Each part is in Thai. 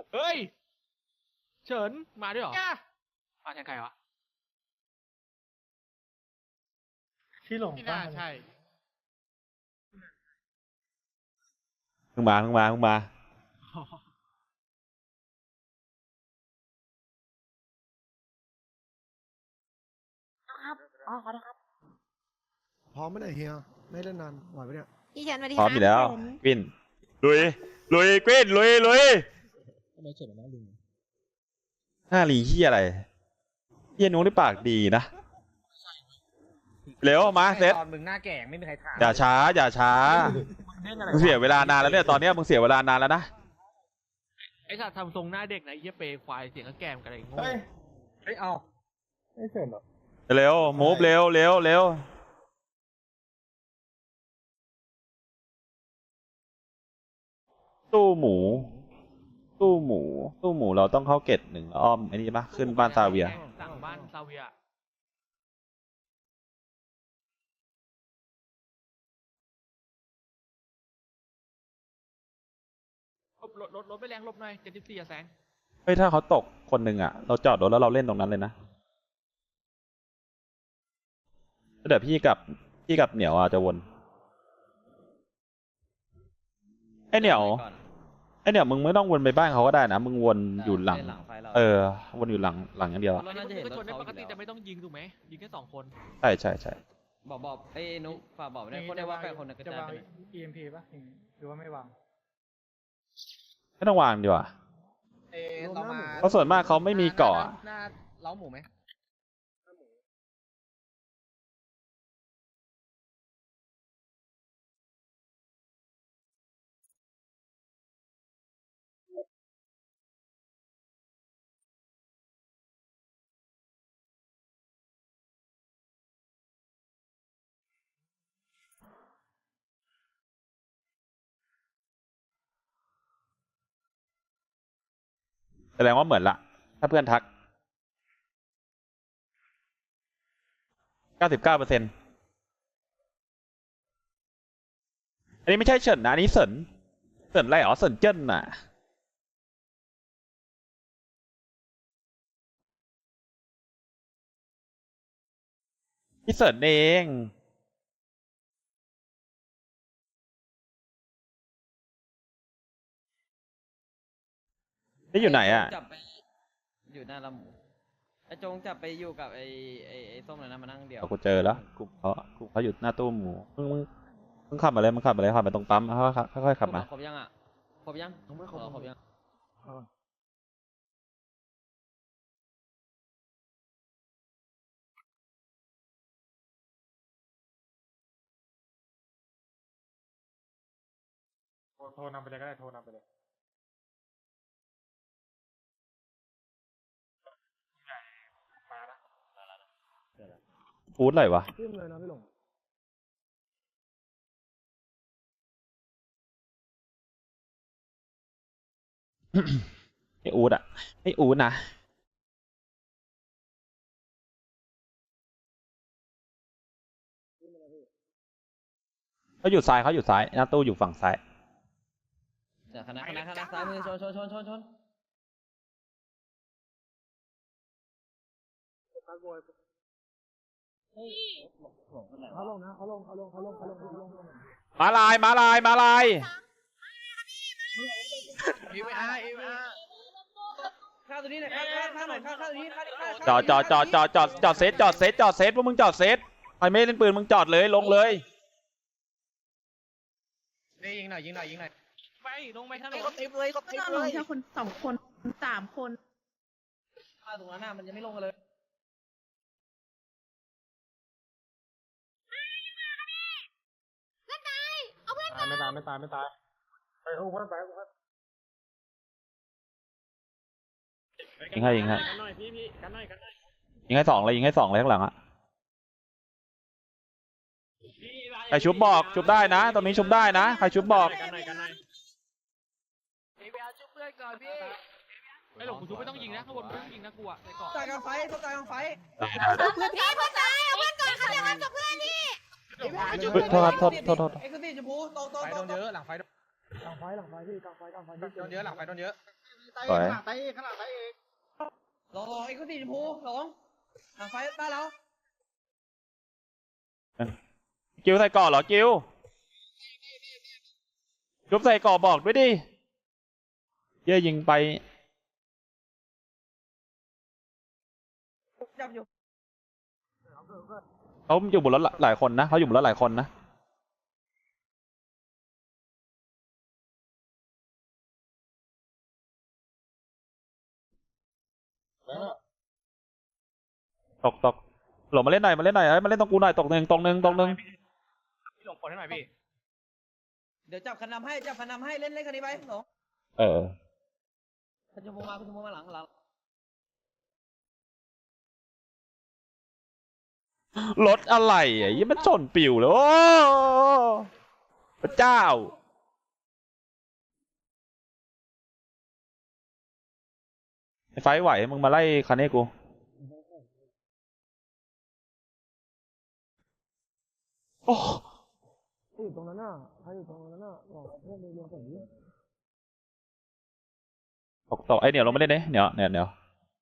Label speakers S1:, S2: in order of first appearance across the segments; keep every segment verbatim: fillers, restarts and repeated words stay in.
S1: เฮ้ยเฉินมาด้วยเหรอมาแทนใครวะ
S2: ที่หลง
S1: ไม่
S2: ป้า
S1: น่าใช่
S3: เพิ่งมาเพิ่งมาเพิ่งมา
S4: ครับอ๋อขอโทษครับ
S5: พร้อมไหมเนี่ยเฮียไม่เล่นนานไหวปะเนี่ย
S4: พี่เฉินสวัสดี
S3: พร้อมอยู่แล้วกวินลุยลุยกวินลุยลุย
S2: ทำไมเฉินหน้าลิง
S3: หน้าลีเฮียอะไรเฮียนุ้งได้ปากดีนะเร็วมาเซต
S2: ตอนมึงหน้าแก่ไม่มีใครถาม
S3: อย่าช้าอย่าช้ามึงเสียเวลานานแล้วเนี่ยตอนเนี้ยมึงเสียเวลานานแล้วนะ
S1: ไอ้สัตว์ทำทรงหน้าเด็กนะไอ้เหี้ยเปย์ควายเสียงก็แกมกันอะไรโง่
S2: เฮ้ยเฮ้ยเอาไม่เฉินหรอ
S3: เร็วมูฟเร็วเร็วเร็วตู้หมูตู้หมูตู้หมูเราต้องเข้าเกตหนึ่งอ้อมไอ้นี่ปะขึ้นบ้านซาเวีย
S1: สั่งบ้านซาเวียลบรถรถรถไปแรงลบหน่อยเจ็ดสิบสี่อะแสง
S3: เฮ้ยถ้าเขาตกคนหนึ่งอ่ะเราจอดรถแล้วเราเล่นตรงนั้นเลยนะเดี๋ยวพี่กับพี่กับเหนียวอ่ะจะวนไอเหนียวไอเหนียวมึงไม่ต้องวนไปบ้านเขาก็ได้นะมึงวนอยู่หลังเออวนอยู่หลังหลังอย่างเดียวอะ
S1: รถน่าจะเห็นรถได้ปกติแต่ไม่ต้องยิงถูกไหมยิงแค่สองคน
S3: ใช่ใช่ใช่
S6: บอกบอกไอ้นุ๊กฝากบอกได้คนได้ว่าแปดคนนะกระ
S2: จะ
S6: จายว
S2: าง
S6: ไป
S2: อี เอ็ม พี ป่ะหรือว่าไม่วาง
S3: ไม่ต้องวางดีกว่า
S2: เอเรามา
S3: เพราะส่วนมากเขาไม่มีเกาะอะ
S2: หน้าเล้าหมูไหม
S3: แสดงว่าเหมือนละถ้าเพื่อนทักเก้าสิบเก้าเปอร์เซ็นต์อันนี้ไม่ใช่เฉินนะอันนี้เสินเสินอะไรอ๋อเสินเจิ้นน่ะพี่เสินเองนี่อยู่ไหนอ่ะ
S6: จับไปอยู่หน้าลำหมูไอ้จงจับไปอยู่กับไอ้ไอ้ไอ้ส้มเลยนะมานั่งเดียว
S3: เอากูเจอแล้วกลุ่มเขากลุ่มเขาอยู่หน้าตู้หมูมึงมึงมึงขับมาเลยมึงขับมาเลยขับมาตรงปั๊มค่อยๆค่อยๆขับมา
S6: ครบยังอ่ะครบยังไม่ครบครบยัง
S2: โทรนำไปเลยก็ได้โทรนำไปเลย
S3: ฟูดอะไรวะ
S5: ขึ้นเลยนะพี่หลง
S3: ไออูดอ่ะไออูดนะเขาอยู่ซ้ายเขาอยู่ซ้ายหน้าตู้อยู่ฝั่งซ้าย
S6: เดี๋ยวคณะคณะคณะซ้ายมือชนชนชนชนชน
S5: เขาลงนะเขาลงเขาลงเขาลงเขาลงเขาลง
S3: มาลายมาลายมาลาย
S1: เอวอาร์เอวอาร์
S6: ข้าวตัวนี้หน่อยข้าวข้าวข้าวหน่อยข้าวข้าวตัวนี้ข้าวข้าว
S3: จอดจอดจอดจอดจอดจอดเซตจอดเซตจอดเซตพวกมึงจอดเซตใครไม่เล่นปืนมึงจอดเลยลงเลย
S2: นี่ยิงหน่อยยิงหน่อยยิงหน่อย
S1: ไปลงไปทางไหน
S4: ก็ต้องลงแค่คนสองคนสามคน
S6: ข้าวตรงนั้นน่ะมันยังไม่ลงกันเลย
S2: ตายไม่ตายไม่ตายไม่ตายไปโอ้โหไปโอ้โห
S3: ยิงให้ยิงให้
S2: กันหน่อยพี่พี่กันหน่อยกันหน่อย
S3: ยิงให้สองเลยยิงให้สองเลยข้างหลังอ่ะใครชุบบอกชุบได้นะตรงนี้ชุบได้นะใครชุบบอก
S2: กันหน่อยกันหน่อย
S1: เอวอาร์ช่วยเพื่อนก่อนพี่ไอ้หลงกูชุบไม่ต้องยิงนะข้างบนไม่ต้องยิงนะกูอะในเกาะ
S6: ตายกลางไฟตายกลางไฟ
S4: เพื่อนพี่เพื่อนตายเอาเพื่อนก่อนเขาจะทำกับเพื่อนนี่
S3: เฮ้ยโทษครับโทษโทษโทษ
S6: เอ็กซ์ตีชมพูโตโต
S2: ไฟ
S6: โต
S2: โดนเยอะหลังไฟ
S5: กลางไฟหลังไฟพี่กลางไฟกลางไฟ
S2: โดนเยอะหลังไฟโดนเยอะ
S3: สวย
S2: ข้างหลังไฟเองข้างหลังไฟเอง
S6: หลงหลงไอ้คนสีชมพูหลงหลังไฟบ้านเรา
S3: กิวใส่ก่อเหรอกิวกิวใส่ก่อบอกด้วยดิเย่ยิงไป
S6: จับอยู่
S3: เขาอยู่บนรถหลายคนนะเขาอยู่บนรถหลายคนนะตกตกหลงมาเล่นหน่อยมาเล่นหน่อยเฮ้ยมาเล่นตรงกูหน่อยตกหนึ่งตรงหนึ่งตรงหนึ่ง
S1: พี่หลงกดให้หน่อยพี่
S6: เดี๋ยวจับคันนำให้จับคันนำให้เล่นเล่นคันนี้ไปหลง
S3: เออ
S6: คันชมพูมาคันชมพูมาหลังหลัง
S3: รถอะไรอ่ะยี่มันชนปิวเลยโอ้พระเจ้าไอ้ไฟไหวมึงมาไล่คันนี้กูโอ้
S5: อยู่ตรงนั้นน่ะใครอยู่ตรงนั้นน่ะบอกเพื่อนไปรวมกันนี้
S3: ตกตกไอเหนียวลงไม่ได้เนี่ยเหนียวเหนียวเหนียว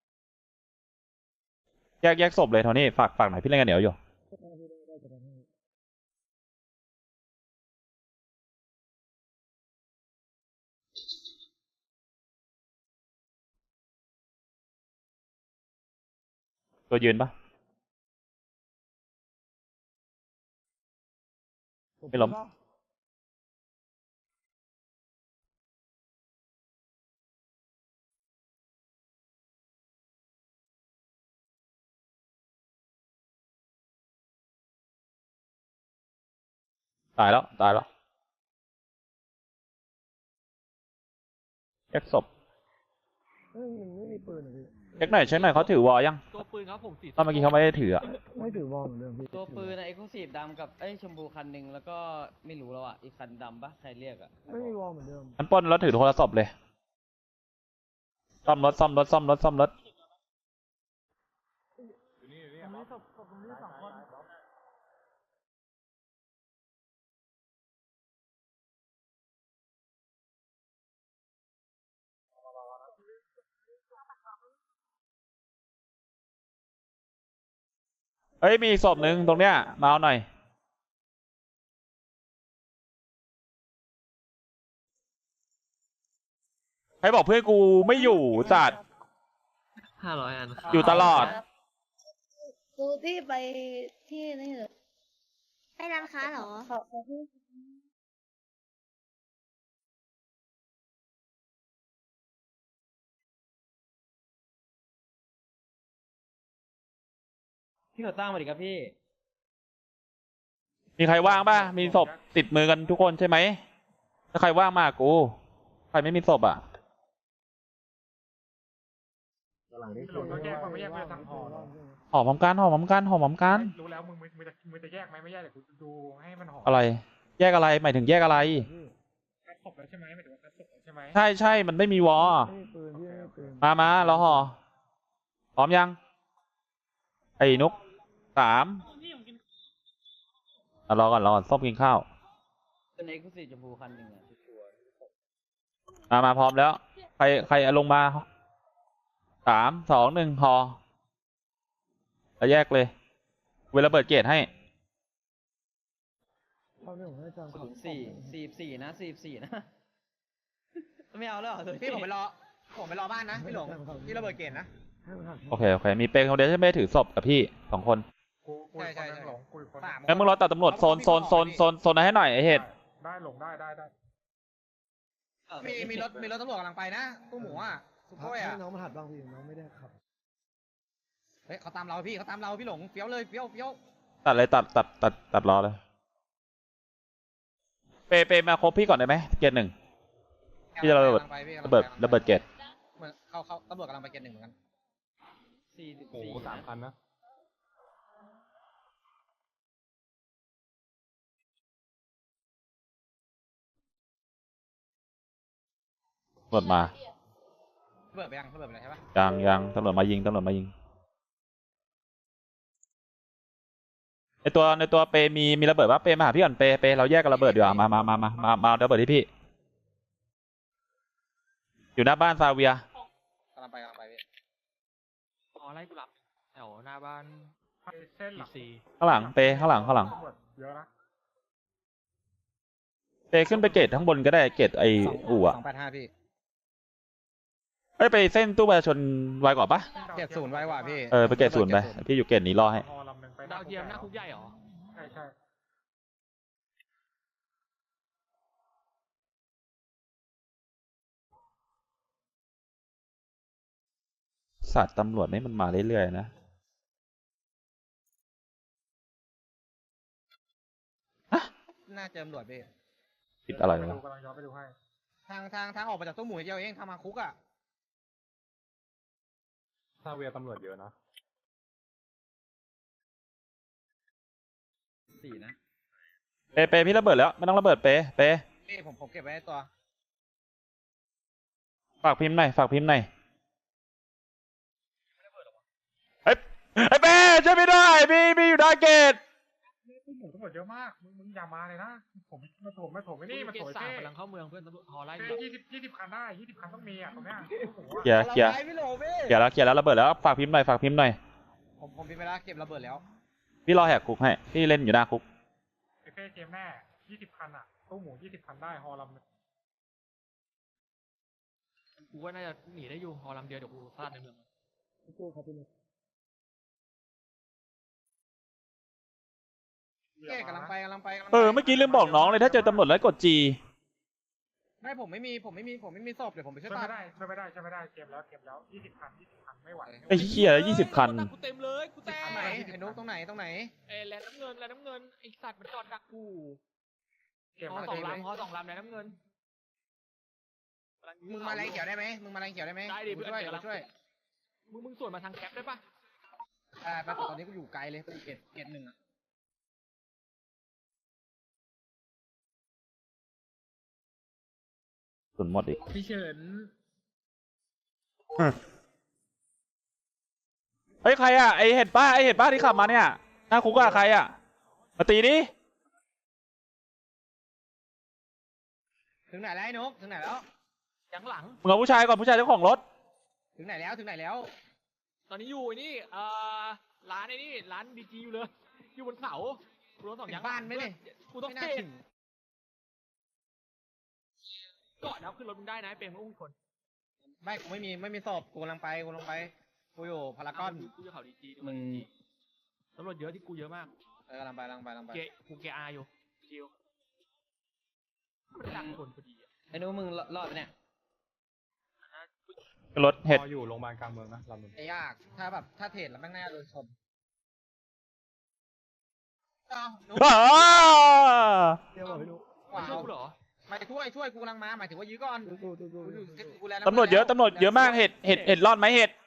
S3: แยกแยกศพเลยโทนี่ฝากฝากหน่อยพี่เล่นกันเหนียวอยู่ตัวยืนปะไม่ล้มตายแล้วตายแล้วแยกศพ
S5: เฮ้ยมันไม่มีปืนเหรอพี่
S3: แยกหน่อยเช็คหน่อยเขาถือวอลยัง
S1: ตัวปืนครับผมสี
S3: ตอนเมื่อกี้เขาไม่ได้ถืออะ
S5: ไม่ถือวอลเหมือนเดิมพี่
S6: ตัวปืนไอ้คู่สีดำกับไอ้ชมพูคันหนึ่งแล้วก็ไม่รู้แล้วอ่ะอีกคันดำปะใครเรียกอ่ะ
S5: ไม่มีวอลเหมือนเดิม
S3: มันปล้นแล้วถือโทรศัพท์เลยซ่อมรถซ่อมรถซ่อมรถซ่อมรถ
S5: ตรงนี้ศพศพตรงนี้สองคน
S3: เฮ้ยมีอีกศพหนึ่งตรงเนี้ยมาเอาหน่อยใครบอกเพื่อนกูไม่อยู่จัด
S6: ห้าร้อยอัน
S3: อยู่ตลอด
S4: ดูที่ไปที่นี่เหรอไปร้านค้าเหรอขอขอที่
S6: พี่เขาตั้งมาดิครับพี่
S3: มีใครว่างป่ะมีศพติดมือกันทุกคนใช่ไหมถ้าใครว่างมากกูใครไม่มีศพอ่ะ
S2: หลังนี้คือต้องแยกมันไม่แยกเพื่อทางหอ
S3: หอมพร้อมกันหอมพร้อมกันหอมพร้อมกัน
S2: รู้แล้วมึงมึงมึงจะมึงจะแยกไหมไม่แยกเดี๋ยวกูดูให้มันหอม
S3: อะไร แยกอะไรหมายถึงแยกอะไร
S2: คัดศพแล้วใช่ไหมหมายถึงว่าคัดศพแล้วใช่ไหม
S3: ใช่ใช่มันไม่มีวอ
S5: ไม่มีปืนพี่ไม่มีปืน
S3: มามาเราห่อพร้อมยังไอ้นุกสามอ่ะรอก่อนรอก่อนส้มกินข้าว
S6: เป็นไอ้คู่สีชมพูคันหนึ่งอ่ะชัวร์
S3: มามาพร้อมแล้ว ใครใครเอาลงมาสามสองหนึ่งห่อแล้วแยกเลย เวลาเปิดเกตให้
S5: ตอนนี้ผมให้จำ
S6: ศูนย์สี่สี่สี่นะสี่สี่นะไม่เอาแล้วเหรอ
S2: พี่ผมไปรอผมไปรอบ้านนะพี่หลงพี่ระเบิดเกณฑ์นะ
S5: ให้มันหัก
S3: โอเค โอเค มีเปรย์คนเดียวที่ไม่ได้ถือศพกับพี่สองคน
S2: กูกูใช่ใช่หลงกูคนสาม
S3: งั้นมึงรอตัดตำรวจโซนโซนโซนโซนโซนนั้นให้หน่อยไอเห็ด
S2: ได้หลงได้ได้ได้
S6: เออ
S2: มีมีรถมีรถตำรวจกำลังไปนะตู้หมูอ่ะสุโขยอ่ะ
S5: ให้น้องมันหัดบ้างพี่น้องไม่ได้ขับ
S2: เฮ้ยเขาตามเราพี่เขาตามเราพี่หลงเฟี้ยวเลยเฟี้ยวเฟี้ยว
S3: ตัดเลยตัดตัดตัดตัดรอเลย เปย์เปย์มาครบพี่ก่อนได้ไหมเกตหนึ่ง พี่จะระเบิด ระเบิดระเบิดเกต
S2: เหมือนเขาเขาตำรวจกำลังไปเกณฑ์หนึ่งเหมือนกัน
S6: สี่สิบ
S2: โอ้
S6: สี่
S2: โหสามคันนะ
S3: ตำรวจมา
S2: ระเบิดไปยังระเบิดไปแล้วใช่ปะ
S3: ยังยังตำรวจมายิงตำรวจมายิงในตัวในตัวเปย์มีมีระเบิดปะเปย์มาหาพี่ก่อนเปย์เปย์เราแยกกันระเบิดดีกว่ามามามามามามาเอาระเบิดที่พี่อยู่หน้าบ้านซาเวีย
S6: กำลังไปกำลังไปพี่
S1: อ๋อไล่กูหลับแถวหน้าบ้าน
S2: เส้นห
S1: อี
S2: ลัก
S1: ซี
S3: ข้างหลังเปข้างหลังข้างหลัง
S2: ตำรวจเยอะนะ
S3: เปขึ้นไปเกตข้างบนก็ได้เกตไออู่อะ
S6: สองแปดห้าพี่
S3: เอ้ยไปเส้นตู้ประชาชนไวกว่าปะ
S6: เกตศูนย์ไว้กว่าพี่
S3: เออไปเกตศูนย์ไปพี่อยู่เกตนี้รอให้
S2: ฮอลำหนึ่งไป
S1: ดาวเทียมหน้าคุกใหญ่เหรอ
S2: ใช่ใช่
S3: สัตว์ตำรวจนี่มันมาเรื่อยๆนะ
S6: น่าเจอตำรวจพี่
S3: ติดอะไร
S2: ไป
S3: วะ
S2: ดูกำลังย้อนไปดูให้
S6: ทางทางทางออกมาจากตู้หมูเดียวเองทางมาคุกอ่ะ
S2: ซาเวียตำรวจเยอะนะ
S6: สี่นะ
S3: เปเปพี่ระเบิดแล้วไม่ต้องระเบิดเปเป
S6: พี่ผมผมเก็บไว้ในตัว
S3: ฝากพิมพ์หน่อยฝากพิมพ์หน่อยเฮ้ยไอ้เปช่วยพี่ด้วยพี่พี่อยู่หน้าเกต
S2: ตู้หมูตำรวจเยอะมากมึงมึงอย่ามาเลยนะผมมาถมมาถมไม่นี่มา
S1: เก
S2: ถ
S1: ต
S2: ม
S1: สาม
S2: เป้
S1: กำลังเข้าเมืองเพื่อนตำรวจฮอไล่
S2: เป้ยี่สิบยี่สิบคันได้ยี่สิบคันต้องมีอ่ะตรงเนี้ยตู้หมู
S3: เคลีย
S2: อะ
S3: ร์เคลียร์
S6: พี่โหลพี่
S3: เคลียร์แล้วเคลียร์แล้วระเบิดแล้วฝากพิมพ์หน่อยฝากพิมพ์หน่อย
S6: ผมผมพิมพ์ไปแล้วเก็บระเบิดแล้ว
S3: พี่รอแหกคุกให้พี่เล่นอยู่หน้าคุก
S2: ไอ้เป้เกมแน่ยี่สิบคันอ่ะตู้หมูยี่สิบคันได้ฮอลำหนึ่ง
S1: กูว่าน่าจะหนีได้อยู่ฮอลำเดียวเดี๋ยวกูพลาดในเมือง
S5: โก้ครับพี่นุ๊ก
S6: เก้กำลังไปกำลังไปกำลังไป
S3: เออเมื่อกี้ลืมบอกน้องเลยถ้าเจอตำรวจแล้วกดจี
S6: ไม่ผมไม่มีผมไม่มีผมไม่มีศพเดี๋ยวผมไปช่วย
S2: ช่วย
S6: ตั
S2: ไม่
S6: ด
S2: ได้ช่วยไม่ได้ช่วยไม่ได้เกมแล้วเกมแล้วยี่สิบคันยี่สิบคันไม่ไหว
S3: ไอ้เหี้ยยี่สิบคัน
S1: กูเต็มเลยกูแต
S6: ตรงไหนไอ้นุ๊กตรงไหนตรงไหน
S1: เอ้ยแลนด์น้ำเงินแลนด์น้ำเงินไอสัตว์มันจอดดักกู
S2: เกม
S1: ฮอ
S2: แล้ว
S1: สอง
S2: เกม
S1: ลำฮอสองลำแลนด์น้ำเงิน
S6: มึงมาแรงเขียวได้ไหมมึงมาแรงเขียวได้ไหม
S1: ได้ดิ
S6: กู
S1: เพื่อน
S6: ช่วย
S1: เดี๋ยว
S6: กูช่วย
S1: มึงมึงส่วนมาทางแคปได้ปะ
S6: อ่าไปตอนนี้กูอยู่ไกลเลยไปเกตเกตหนึ่งอ่ะ
S3: สุนหมดอีก
S1: พี่เฉิน
S3: เฮ้ยใครอ่ะไอเห็ดป้าไอเห็ดป้าที่ขับมาเนี่ยหน้าคุกอะใครอ่ะมาตีดิ
S6: ถึงไหนแล้วไอ้นุ๊กถึงไหนแล้ว
S1: ยังหลัง
S3: มึงเอาผู้ชายก่อนผู้ชายเจ้าของรถ
S6: ถึงไหนแล้วถึงไหนแล้ว
S1: ตอนนี้อยู่ไอ้นี่เอ่อร้านไอ้นี่ร้านดีจีอยู่เลย อยู่บนเขากูรถสอง
S6: ถึ
S1: ยาง
S6: งบ้านไหมเนี่ย
S1: กูต้อง
S6: ไม่น่า
S1: เท
S6: ถึง
S1: ก่อนแล้วขึ้นรถมึงได้นะเป็นมึงอุ้มคน
S6: ไม่กูไม่มีไม่มีศพกูกำลังไปกูกำลังไปกูอยู่พารากอน
S1: กูจะเขาดีจี
S6: มึง
S1: ตำรวจเยอะที่กูเยอะมาก
S6: เออกำลังไปกำลังไปกำลังไป
S1: เกกูเกอาอยู่จิวมันดังคนพอดีอะ
S6: ไอ้นุ๊กมึงรอดไหมเนี่ย
S3: รถเห็ด
S2: ฮออยู่โรงพยาบาลกลางเมืองนะลำหนึ่ง
S6: ไอ้ยากถ้าแบบถ้าเทรดแล้วแม่งน่าจะโดนชนเอ้านุ๊ก
S3: อ้า
S5: เที่ยวกับพี่นุ๊ก
S6: ว้า
S1: ช่วย
S6: ว
S1: กูเหรอ
S6: หมายถึงช่วยช่วยกูกำลังมาหมายถึงว่ายื้อก่อน
S5: ตู้ตู้ตู้
S6: กูอยู่กูแล
S3: ตำรวจเยอะตำรวจเยอะมากเห็ดเห็ดเห็ดรอดไหมเห็ด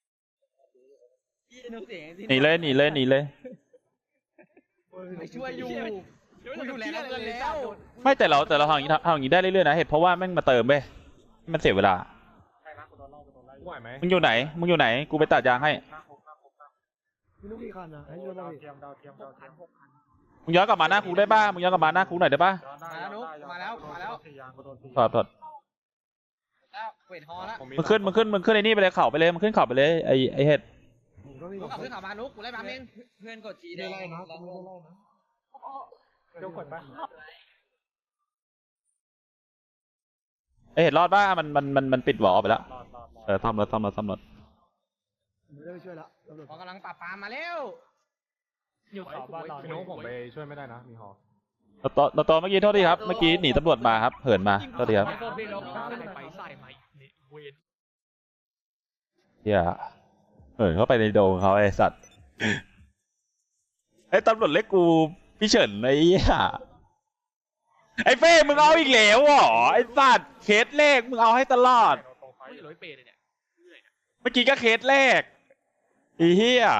S6: นุ๊กเสียง
S3: หนีเลยหนีเลยหนีเลย
S6: ไปช่วยอยู่กูอยู่แล้วเงินแล้ว
S3: ไม่แต่เราแต่เราทำอย่างนี้ทำอย่างนี้ได้เรื่อยๆนะเห็ดเพราะว่าแม่งมาเติมเว้ยมันเสียเวลา
S2: ใช่นะกูโดนล่อกูโดนไล่ไหวไหม
S3: มึงอยู่ไหนมึงอยู่ไหนกูไปตัดยางให้
S2: หน้าคุกหน้าคุกหน้าคุก
S5: พี่นุ๊กกี่คันนะให้ช่วยบ้า
S2: ดาง ว
S5: พี่
S2: เทียมดาวเทียมดาวเทียม
S3: มึงย้อนกลับมาหน้าคุกได้ป่ะมึงย้อนกลับมาหน้าคุกหน่อยได้ป่ะ
S2: ย้อนได้
S6: มาแล้วนุ๊ก
S2: ย้อนได้
S6: มาแล้วมาแล้ว
S2: สี่ยางกูโดนสี่
S3: ถอดถอด
S6: แล้วเวทฮอแล้ว
S2: ผ
S3: มึงขึ้นมึงขึ้นมึงขึ้นไอ้นี่ไปเลยเข่าไปเลยมึงขึ้นเข่าไปเลยไอไอเห็ด
S5: ผมก็มี
S6: นุ๊กกลับขึ้นเขามานุ๊กกูไล่มาเองเพื่อนกดจี
S5: ไม่ไล่นะผมไม่ไล่นะ
S2: เดี๋ยวกดไป
S3: ไอเห็ดรอดป่ะมันมันมันมันปิดหวอไปแล้ว
S2: รอดรอดรอด
S3: เออซ่อมรถซ่อมรถซ่อมรถ
S5: ผมไม่ได้ไปช่วยละตำรวจ
S6: พอกำลังปราบปรามมาแล้ว
S1: อยู่เขาบ้านเรา
S2: พี่นุ๊กผมไปช่วยไม่ได้นะมีฮอ
S3: เราตเราตอเมื่อกี้โทษทีครับเมื่อกี้หนีตำรวจมาครับเหินมาโทษทีครับ
S1: โทษพี่เราใส่ไปใส่มาอีกนี่เวน
S3: เฮียเหินเข้าไปในโดงเขาไอสัตว์ไอตำรวจเล็กกูพี่เฉินไอ้เหี้ยไอเฟ้มึงเอาอีกแล้วเหรอไอสัตว์เคสแรกมึงเอาให้ตลอด
S2: ตรงไฟ
S1: ไม่ร้อยเปย์เลยเนี่ย
S3: เมื่อกี้ก็เคสแรกไอ้เหี้ย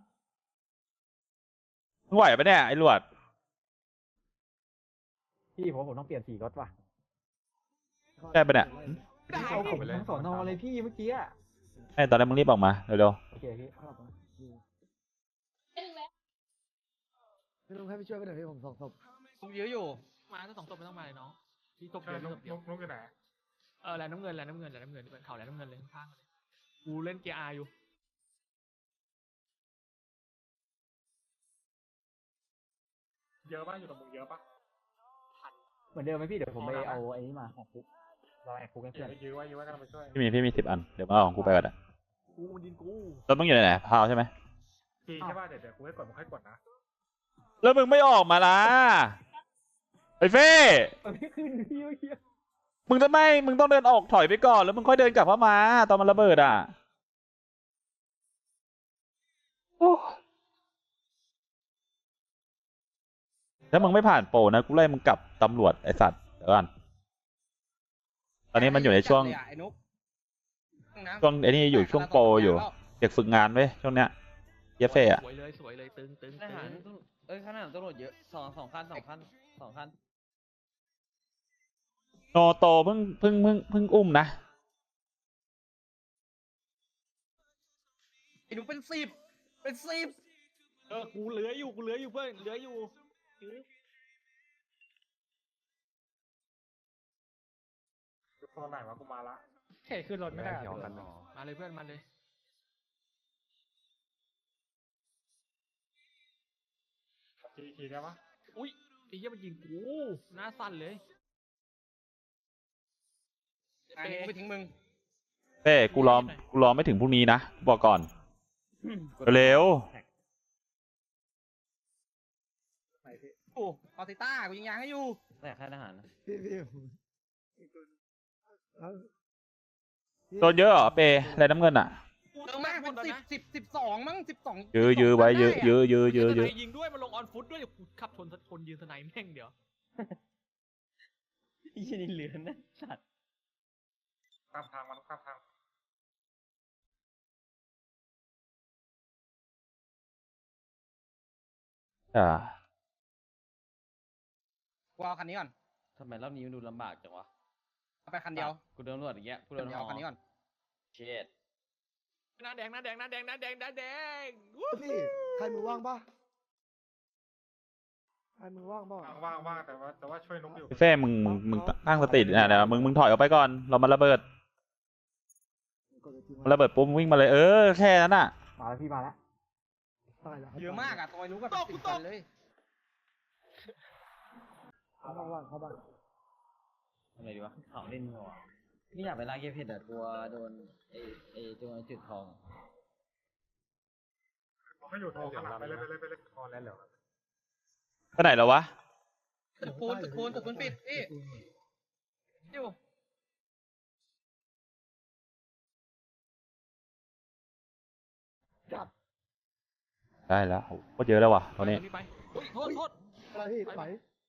S3: มึงไหวปะเนี่ยไอ้หลวด
S5: พี่ผมผมต้องเปลี่ยนสีรถว่ะ
S3: ได้ปะเนี่ย
S5: พี่เอาผมทั้งสอนอเลยพี่เมื่อกี้อะ
S3: ไอ้ตอนนั้นมึงรีบออกมาเร็ว
S5: โอเคพี่เข้ามาพี่นุ๊กให้ไปช่วยกันหน่อยพี่ผมสองศพ
S6: กูยื้ออยู่
S1: มาถ้าสองศพไม่ต้องมาเลยน้องพี่ศพ
S2: ใช่
S1: เดียว
S2: นุ๊ก
S1: ศพเดียว
S2: นุ๊กนุ๊กอยู่ไหน
S1: เออแลนน้ำเงินแลนน้ำเงินแลนน้ำเงินเขาแลนน้ำเงินเลยข้างๆเลยกูเล่นเกียร์อาอยู่
S2: เยอะป่ะอยู่ตรงมึงเยอะป่ะ
S5: เหมือนเดิมไหมพี่เดี๋ยวผมไปเอาไอ้นี่มาแหกคุกเราแหกคุกให้
S2: เดี๋
S5: เพื่
S2: ย
S5: อ
S2: วน ยื้อไว้ยื้อไว้กันไปช่วย
S3: พี่มีพี่มีสิบอันเดี๋ยวมาเอาของกูไปก่อนอะ
S1: กูมันยิงกู
S3: แล้วมึงอยู่ไหนพาวใช่ไหม
S2: ทีใช่ป่ะเดี๋ยวเดี๋ยวกูให้กดมึงให้กดนะ
S3: แล้วมึงไม่ออกมาล่ะไอ้เฟ้
S5: มันไม่ขึ้นพี่เมื่อกี้
S3: มึงจะไม่มึงต้องเดินออกถอยไปก่อนแล้วมึงค่อยเดินกลับเข้ามาตอนมันระเบิดอ่ะโอ้ถ้ามึงไม่ผ่านโปรนะกูไล่มึงกลับตำรวจไอ้สัตว์เดี๋ยวก่อนตอนนี้มันอยู่ในช่วง
S7: ไอ้นุ๊กน้ำ
S3: ช่วงไอ้นี่อยู่ช่วงโปรอยู่เด็กฝึกงานเว้ยช่วงเนี้ยเยฟเฟ่อะ
S1: สวยเลยสวยเลยตึงตึง
S6: ทหาร
S1: ตึง
S6: เอ้ยข้างหน้าตำรวจเยอะสองสองคันสองคันสองคัน
S3: โนโตเพิ่งเพิ่งเพิ่งเพิ่งอุ้มนะ
S7: ไอ้นุ๊กเป็นสิบเป็นสิบ
S1: เออกูเหลืออยู่กูเหลืออยู่เพื่อนเหลืออยู่ยื้อ
S2: อยู่โซนไหนวะกูมาละ
S5: แค่ขึ้นรถไม่ได้
S1: มาเลยเพื่อนมาเลย
S2: ทีทีได้ปะ
S1: อุ้ยไอ้เหี้ยมันยิงกูหน้าสั่นเลย
S7: อันนี้กูไม่ทิ้งมึง
S3: เฟ้กูรอกูรอไม่ถึงพรุ่งนี้นะบอกก่อนเร็ว
S7: โอ้ออติต้ากูยิงยางให้อยู่
S6: แต่ค่ายทหารนะ
S5: พี่พี่
S3: โดนเยอะเหรอเปอะไรน้ำเงินอ่ะ
S7: เออมากเป็นสิบสิบสิบสองมั้งสิบสอง
S3: ยื้อยื้อไว้ยื้อยื้อยื้อยื้อ
S1: ยื
S3: ยื้อ
S1: ยิงด้วยมันลงออนฟุตด้วยเดี๋ยวกูขับชนคนยืนสไนแม่งเดี๋ยว
S6: ไอ้ยี่นี่เหลือนะสัตว์
S2: ข้ามทางมันข้ามทาง
S3: อ่า
S7: กูเอาคันนี้ก่อน
S6: ทำไมรอบนี้มันดูลำบากจังวะ
S7: เอาไปคันเดียว
S6: กูโดนตำรวจอย่างเงี้ยกูโด
S7: คัน
S6: น
S7: เดียว
S6: หอ
S7: เอาคันนี้ก่อน
S6: เช็ด
S1: หน้าแดงหน้าแดงหน้าแดงหน้าแดงหน้าแดงวู้
S5: พี่ใครมือว่างปะใครมือว่างปะ
S2: ว่างว่างว่างแต่ว่าแต่ว่าช่วยนุ๊กอยู่
S3: เฟ้มึงมึงตั้งสตินะเดี๋ยวมึงมึงถอยออกไปก่อนเรามาระเบิดมันระเบิดปุ๊บมึงวิ่งมาเลยเออแค่นั้นอ่ะ
S5: มาแล้วพี่มาแล้ว
S7: เยอะมากอะตอยนุ๊กกับสิบคันเลย
S5: เข้าบ้านเข้าบ้าน
S6: ทำไงดีวะเขาเล่นหัวนี่อยากไปล่าเก็บเห็ดแต่กลัวโดนไอ้ไอ้ตัวจุดทอง
S2: เขาไม่อยู่โทรข้างหลังไปเลยไปเลยไปเลยพอแล้วเหรอ
S3: ไปไหนแล้ววะ
S7: ตึกปูนตึกปูนตึกปูนปิดพี่อยู่
S5: จับ
S3: ได้แล้วโหโคตรเยอะแล้ววะตอนนี้
S1: ไปอุ้ยโทษโทษ
S5: อะไรพี่ไหล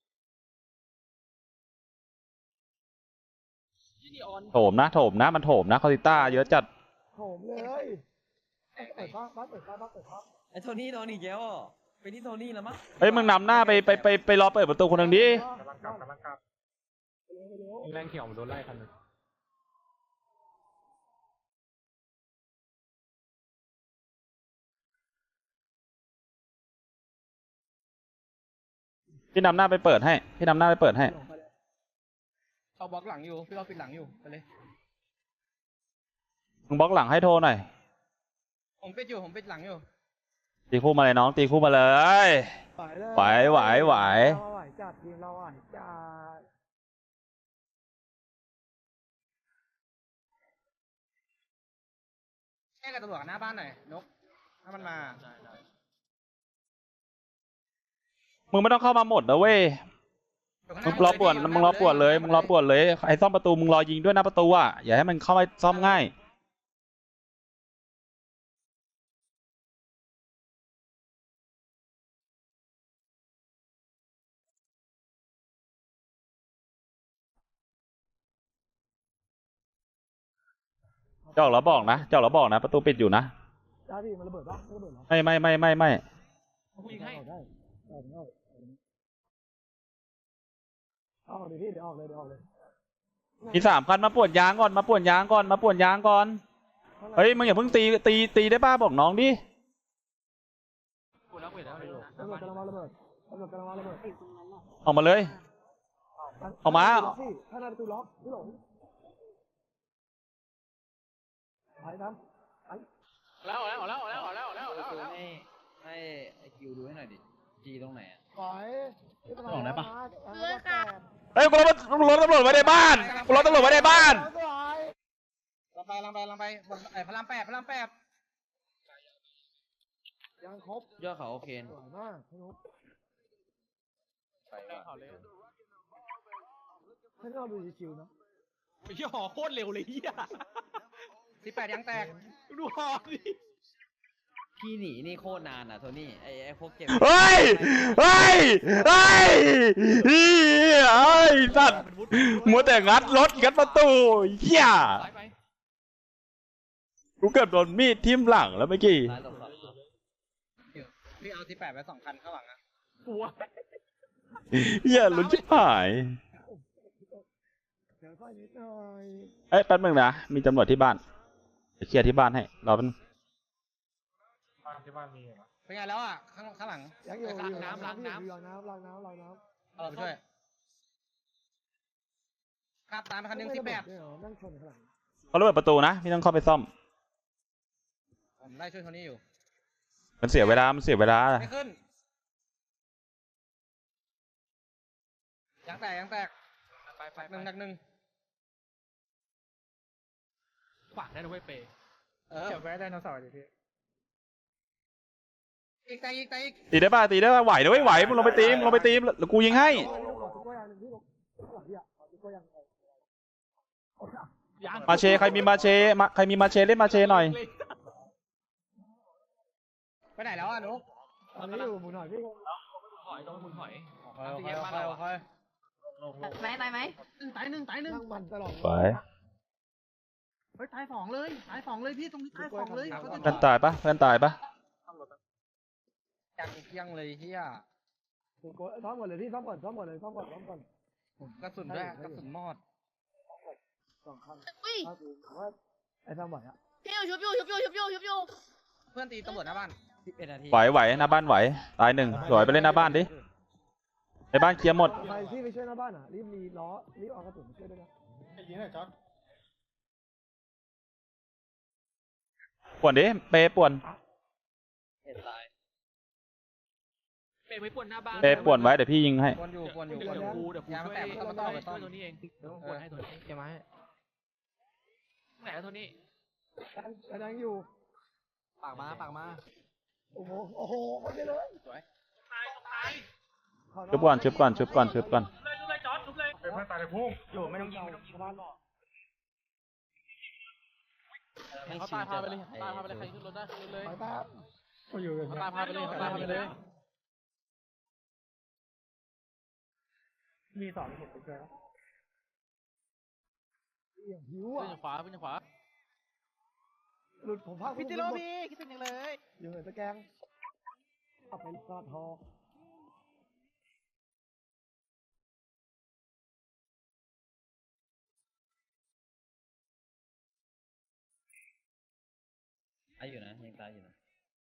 S1: ที่ออน
S3: โถมนะโถมนะมันโถมนะคอติต้าเยอะจัด
S5: โถมเลยเปิดฟ้าฟ้าเปิดฟ้าฟ้าเปิดฟ้า
S6: ไอ้โทนี่โดนอีกแล้วอ่ะไปที่โทนี่แล้วมั้ง
S3: เฮ้ยมึงนำหน้าไปไปไปไปรอเปิดประตูคนหนึ่งดิ
S2: กำลังกลับกำลังกลับ
S5: แรงเขียวมันโดนไล่คันนึง
S3: พี่นำหน้าไปเปิดให้พี่นำหน้าไปเปิดให้
S7: เอาบล็อกหลังอยู่พี่เราปิดหลังอยู่ไปเลย
S3: มึงบล็อกหลังให้โทรหน่อย
S7: ผมปิดอยู่ผมปิดหลังอยู่
S3: ตีคู่มาเลยน้องตีคู่มาเลย ไหวไหวไหว
S5: เราไหวจัดทีมเราไหวจัด
S7: แค่กับตำรวจหน้าบ้านหน่อยนกถ้ามันมา
S3: มึงไม่ต้องเข้ามาหมดนะเว้ย มึงรอปวดมึงรอปวดเลยมึงรอปวดเลยไอ้ซ่อมประตูมึงรอยิงด้วยหน้าประตูอ่ะอย่าให้มันเข้ามาซ่อมง่ายจะออกแล้วบอกนะจะออกแล้วบอกนะประตูปิดอยู่นะ
S5: ได้พี่มันระเบิดปะไม่ระเบิดหรอ
S3: ไม่ไม่ไม่ไม่ไม่
S1: กูยิงให้
S5: ออกได้ออกได้ออกเลยพี่เดี๋ยวออกเลยเดี๋ยวออกเลย
S3: มีสามคันมาปวดยางก่อนมาปวดยางก่อนมาปวดยางก่อนเฮ้ยมึงอย่าเพิ่งตีตีตีได้ป้าบอกน้องดิ
S1: กูแล้วกูแล้ว
S5: ระเบิดกำลังมาระเบิดระเบิดกำลังมาระเบิด
S3: ออกมาเลย ออกมา
S5: พี่ถ้าหน้าประตูล็อกพี่หลงทำไป
S1: แล้วแล้วแล้วแล้วแล้วแล้วแล้ว
S6: ดู
S1: แล้ว
S6: ให้ให้ไอคิวดูให้หน่อยดิจีตรงไหนอะ
S5: ปล่อยไม่เป็นไร
S6: บอกได้ปะ
S4: เพื่อค่ะ
S3: เฮ้ยกูรถรถตำรวจไว้ในบ้านกูรถตำรวจไว้ในบ้าน
S7: ลังไปลังไปลังไปบนไอ้พระรามแปดพระรามแปด
S5: ยังครบ
S6: ยอดเขาโอเค
S5: สวยมากพี่นุ๊ก
S6: ไปว่ะ
S5: ให้เราดูชิวๆเนาะ
S1: ไอ้เหี้ยหอโคตรเร็วเลยเหี้ย
S7: สิบแปดยังแตก
S1: ดูหอดิ
S6: พี่หนีนี่โคตรนานอ่ะโทนี่ไอไอพวกเก็บ
S3: เฮ้ยเฮ้ยเฮ้ยเฮ้ยเฮ้ยสัตว์มัวแต่งัดรถงัดประตูเหี้ย
S1: ไปไป
S3: กูเกือบโดนมีดทิ่มหลังแล้วเมื่อกี้
S6: ร้านตกครับ
S7: พี่เอาสิบแปดไปสองคันข้างหลังอะ
S1: กลัว
S3: เหี้ยลุ้นชิบหาย
S5: เดี๋ยวค่อยนิดหน่อย
S3: เอ้ยแป๊บนึงนะมีตำรวจที่บ้านจะเคลียร์ที่บ้านให้รอแป๊บนึง
S2: บ้านที่บ้านมีเหรอ
S7: เป็นไงแล้วอะข้างข้างหลัง
S5: ยังอยู่อยู่น้ำล้างน้ำล้างน้ำล้างน้ำล้างน้ำ
S7: เอาเราไปช่วยขับตามไปคันหนึ่งสิบแปด
S5: เนี่ยเหรอนั่งชนข้างหลัง
S3: เขาระเบิดประตูนะพี่ต้องเข้าไปซ่อม
S7: ผมไล่ช่วยโทนี่อยู่
S3: มันเสียเวลามันเสียเวลา
S7: ไม่ขึ้นยังแตกยังแตก
S1: ไปไป
S7: หนึ่งหนักหนึ่ง
S1: ขวางได้ด้วยเปย์
S7: เออ
S2: เก็บไว้ไดโนเสาร์ดิพี่
S7: อีกแตกอีกแตกอีก
S3: ตีได้ป่ะตีได้ป่ะไหวนะเว้ยไหวมึงลงไปตีมงลงไปตีมแล้วกูยิงให้
S5: ตุ๊กตัวอย่างหนึ่งที่ลงหลังที่อ่ะตุ๊กตัวอย่าง
S1: ยัง
S3: มาเชใครมีมาเชมาใครมีมาเชเล่นมาเชหน่อย
S7: ไปไหนแล้วอะนุ๊ก
S5: ตอนนี้อยู่หมู่หน่อยพี่
S1: หอยต้องมุนหอย
S7: คอยคอยคอยคอย
S4: ไหมไหมไหม
S7: ตายหนึ่งตายหนึ่ง
S5: นั่งมันตลอด
S3: ไป
S7: เฮ้ยตายสองเลยตายสองเลยพี่ตรงนี้ตายสองเลยเขาจะ
S3: เพื่อนตายปะเพื่อนตายปะ
S7: จังเที่ยงเลยเฮีย
S5: ตุ๊กตัวซ้อมก่อนเลยพี่ซ้อมก่อนซ้อมก่อนเลยซ้อมก่อนซ้อมก่อน
S7: กระสุนด้วยกระสุนมอด
S5: สองครั้ง
S4: อุ้ย
S5: ถ้าถือว่าไอ้ซ้อมไหวอ่ะ
S4: พี่อยู่ชุบอยู่ชุบอยู่ชุบอยู่ชุบอยู่
S7: เพื่อนตีตำรวจหน้าบ้าน
S6: สิบเอ็ดนาที
S3: ไหวไหวหน้าบ้านไหวตายหนึ่งสวยไปเล่นหน้าบ้านดิในบ้านเคลียร์หมด
S5: ใครที่ไปช่วยหน้าบ้านอ่ะรีบรีล้อรีบเอากระสุนมาช่วยด้วยนะ
S2: ยิงหน่อยจอร์ด
S3: ป่วนดิเปย์ป่วน
S6: เอ็ดตาย
S1: เปย์ไม่ป่วนหน้าบ้าน
S3: เปย์ป่วนไว้เดี๋ยวพี่ยิงให้
S7: กวนอยู่กวนอยู่
S1: เดี๋
S7: ก
S1: ยว
S7: วนอยู่
S1: กูเดี๋ยวกู
S7: ยาง
S1: ช่วย
S7: แตกมันต้องมาต่อไปต้
S1: ช่
S7: อ
S1: วยตัวนี้เองเดี๋ยวป่วนให้ตัวนี้
S5: เก็บไม้
S1: ไหนแล้วตัวนี้
S5: กระดังอยู่
S6: ปากมาปากมา
S5: โอ้โหโอ้โหคนเดียวเลย
S1: ตายตาย
S3: ชุบก่อนชุบก่อนชุบก่อนชุบก่อน
S1: เลยชุบเลยจอดชุบเลย
S2: เป็นเพื่อนตายในพุ่ง
S5: อยู่ไม่ต้องยิงไม่ต้องยิงบ้านหรอก
S6: ไม่
S1: เขา
S6: ชิ
S1: ตา
S6: วย
S1: พาไป
S6: จั
S1: เล
S6: ด
S1: ยตายพาไปเลยใครขึ้นรถได้ขึ้นเลย
S5: ไปแป๊บ
S2: ก็อยู่อย่าง
S1: เขา
S2: เงี้ย
S1: ตายพาไปเลยเขาตายพาไปเลย
S2: มีสองเห็นไปเจอแล้ว
S5: อย่างหิว
S1: ขึ้
S5: อ่ะ
S1: นขวาขึ้นขวา
S5: หลุดผมพา
S7: พี่ติโรบีคิดถึงยังเลย
S5: อยู่เหนือตะแกรงเอาไปกอดทอ
S6: ตายอยู่นะยังตายอยู่นะ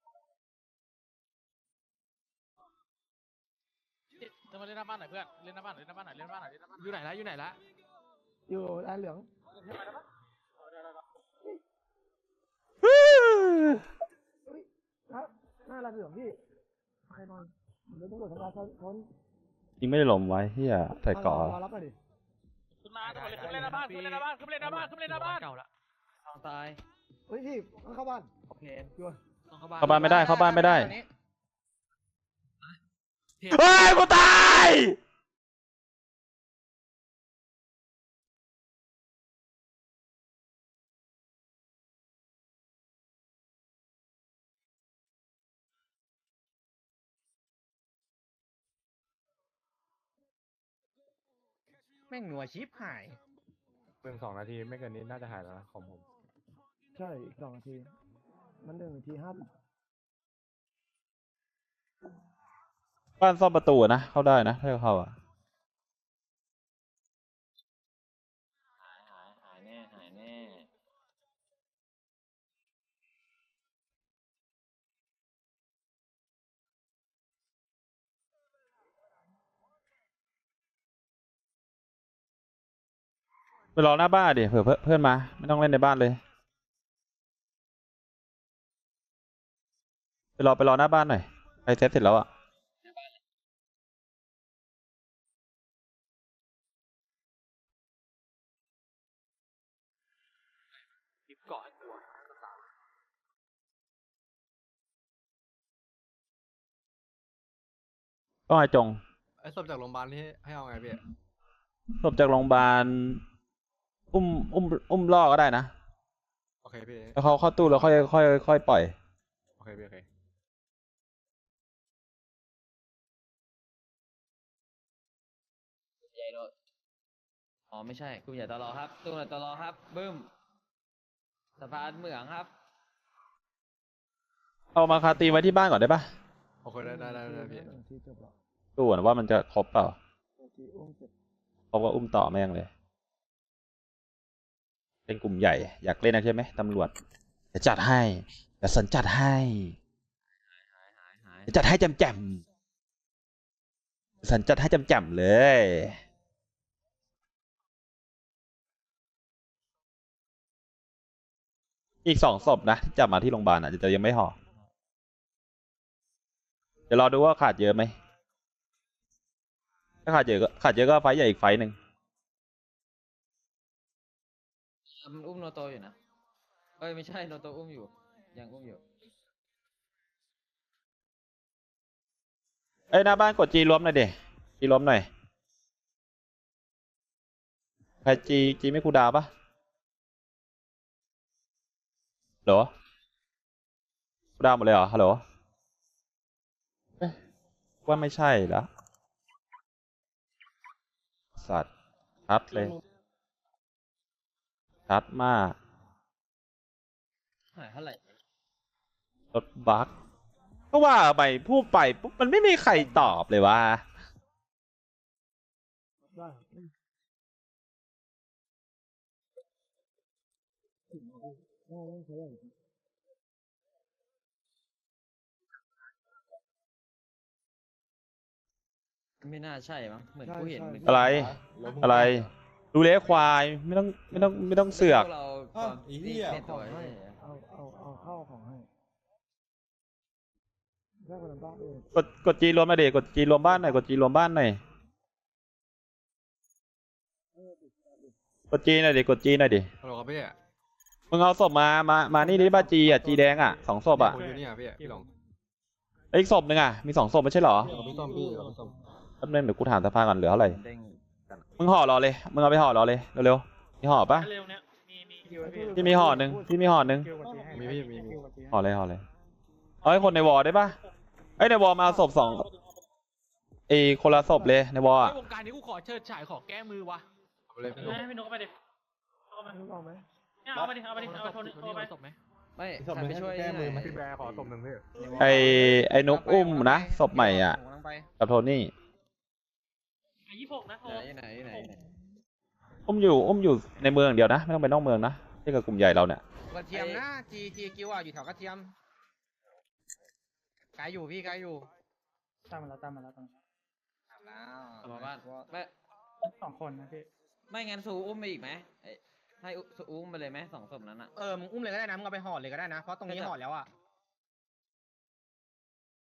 S1: จะมาเล่นหน้าบ้านหน่อยเพื่อนเล่นหน้าบ้านหน่อยเล่นหน้าบ้านหน่อยเล่นหน้าบ้านหน่อยเล่นหน้าบ้านอยู่ไหนละอยู่ไหนละ
S5: อยู่แดนเหลืองนะหน้าแดนเหลืองพี่ใครนอนเดี๋ยวตำรวจทำลายคน
S3: ยิงไม่ได้หลมไว้เฮียใส่เกาะ
S5: มารับหน่อยดิ
S1: ขึ้นมาตำรวจเลยขึ้นเล่นหน้าบ้านขึ้นเล่นหน้าบ้านขึ้นเล่นหน้าบ้านขึ้นเล่นหน้าบ้านเก่าละ
S6: ทางตาย
S5: เฮ้ยพี่เข้าบ้าน
S6: โอเค
S5: อยู่
S1: ต้องเข้าบ้าน
S3: เข้าบ้านไม่ได้เข้าบ้านไม่ได้
S7: นี้
S3: เฮ้ยกูตาย
S7: แม่งหนัวชิปหาย
S2: เพิ่งสองนาทีไม่เกินนี้น่าจะหายแล้วนะของผม
S5: ใช่อีกสองนาทีมันหนึ่งนาทีห้า
S3: บ้านซ่อมประตูอะนะเข้าได้นะถ้าเข้าอ่ะ
S6: หายหายหายแน่หายแน่
S3: ไปรอหน้าบ้านดิเผื่อเพื่อนมาไม่ต้องเล่นในบ้านเลยไปรอไปรอหน้าบ้านหน่อยใครเซตเสร็จแล้วอ่ะ
S1: รีบเกาะให้กลัว
S3: ก็ไอจง
S8: ไอ้ศพจากโรงพยาบาลที่ให้เอาไงพี่
S3: ศพจากโรงพยาบาลอุ้มอุ้มอุ้มล่อก็ได้นะ
S8: โอเคพี่
S3: แล้วเขาเข้าตู้แล้วค่อยค่อยค่อยปล่อย
S8: โอเคพี่โอเค
S6: ใหญ่โดดอ๋อไม่ใช่กลุ่มใหญ่ตลอครับกลุ่มใหญ่ตลอครับบึ้มสะพานเหมืองครับ
S3: เอามาคาตีไว้ที่บ้านก่อนได้ปะ
S8: โอเคได้ได้ได้ได้พี่
S5: ที่จบแล้ว
S3: ดูก่อนว่ามันจะครบเปล่า
S5: ที่อุ้มเสร็จ
S3: ครบก็อุ้มต่อแม่งเลย เป็นกลุ่มใหญ่ อยากเล่นนะใช่ไหมตำรวจจะจัดให้จะสันจัดให้จะจัดให้จำแจมสันจัดให้จำแจมเลย อีกสองศพนะที่จับมาที่โรงพยาบาลอ่ะจะยังไม่ห่อเดี๋ยวรอดูว่าขาดเยอะไหมถ้าขาดเยอะก็ขาดเยอะก็ไฟท์ใหญ่อีกไฟท์หนึ่ง
S6: มันอุ้มโนโตอยู่นะเอ้ยไม่ใช่โนโตอุ้มอยู่ยังอุ้มอยู่
S3: เอ้ยหน้าบ้านกดจีรวมหน่อยเดจีรวมหน่อยใครจีจีไม่คูลดาวน์ปะเหรอคูลดาวน์หมดเลยเหรอฮัลโหลเอ๊ะว่าไม่ใช่แล้วสัตว์ชัดเลยชัดมาก
S6: หายเท่าไหร่
S3: รถบัคก็ว่าไปพูดไปปุ๊บมันไม่มีใครตอบเลยว่า
S5: ได้อืมถึงเอาดิได้ได้ใช้ได้
S6: ไม่น่าใช่มั้งเหมือนกูเห็นเหมือน
S3: อะไร อะไร ดูเลี้ยควายไม่ต้องไม่ต้องไม่ต้องเสือก
S6: พวเราความตีเล่นตัวใช่ไหม
S5: เอาเอาเอาเข้าของให้แยกเป็นบ้านเอง
S3: กดกดจีรวมหน่อยดิกดจีรวมบ้านหน่อยกดจีรวมบ้านหน่อยกดจีหน่อยดิกดจีหน่อยดิ
S8: ฮัลโหลครับพี่
S3: มึงเอาศพมามามานี่ดิบ้าจีอ่ะจีแดงอ่ะสองศพอ่ะ
S8: คุยอยู่นี่อ่ะพี่พี่หลง
S3: แล้วอีกศพหนึ่งอ่ะมีสองศพไม่ใช่เหรอ
S8: กับพี่ส้มพี่กับพี่ส้ม
S3: แป๊บนึงเดี๋ยวกูถามสภาก่อนเหลือเท่าไหร่
S6: เด้ง
S3: มึงห่อรอเลยมึงเอาไปห่อรอเลยเร็วๆมีห่อปะ
S1: เร็วเนี้ยมีมี
S3: พี่มีห่อหนึ่งพี่มีห่อหนึ่ง
S2: คิวกดจีให้
S8: มีพี่มีมี
S2: คิวกดจีให้
S3: ห่อเลยห่อเลยเอาให้คนในวอลได้ปะเอ้ยในวอลมาเอาศพสองเอยคนละศพเลยในวอล
S1: ไอ้
S3: อ่ะ
S1: วงการนี้กูขอเชิดฉายขอแก้มือวะ
S8: เอาเลยพี่หลง
S1: ให้พี่นกเข้าไปดิเอาไป
S5: รู้เอาไหม
S1: เอาไปดิเอาไปดิเอาไปโทนโทรไปศพไหม
S6: ไม่ใครไปช่วยแก้มือไหม
S2: พี่แบร์ขอตบหนึ่งพี่
S3: ไอไอ้นกอุ้มนะศพใหม่อ่ะ
S6: ผมกำลังไป
S3: กับโทนี่
S1: ไอ้ยี่หกนะโทร
S6: ไหนไหนไหนไหน
S3: อุ้มอยู่อุ้มอยู่ในเมืองอย่างเดียวนะไม่ต้องไปนอกเมืองนะที่กับกลุ่มใหญ่เราเนี่ย
S7: กระเทียมนะจีจีกิวอ่ะอยู่แถวกระเทียมไกลอยู่พี่ไกลอยู่
S2: ตามมาแล้วตามมาแล้วตามมา
S7: ถามแล้ว
S6: เอามาบ้านไม่
S2: สองคนนะพี่
S6: ไม่งั้นซูอุ้มไปอีกไหมเอ้ยให้ซูอุ้มไปเลยไหมสองศพนั้นอ่ะ
S7: เออมึงอุ้มเลยก็ได้นะมึงเอาไปห่อเลยก็ได้นะเพราะตรงนี้ห่อแล้วอ่ะ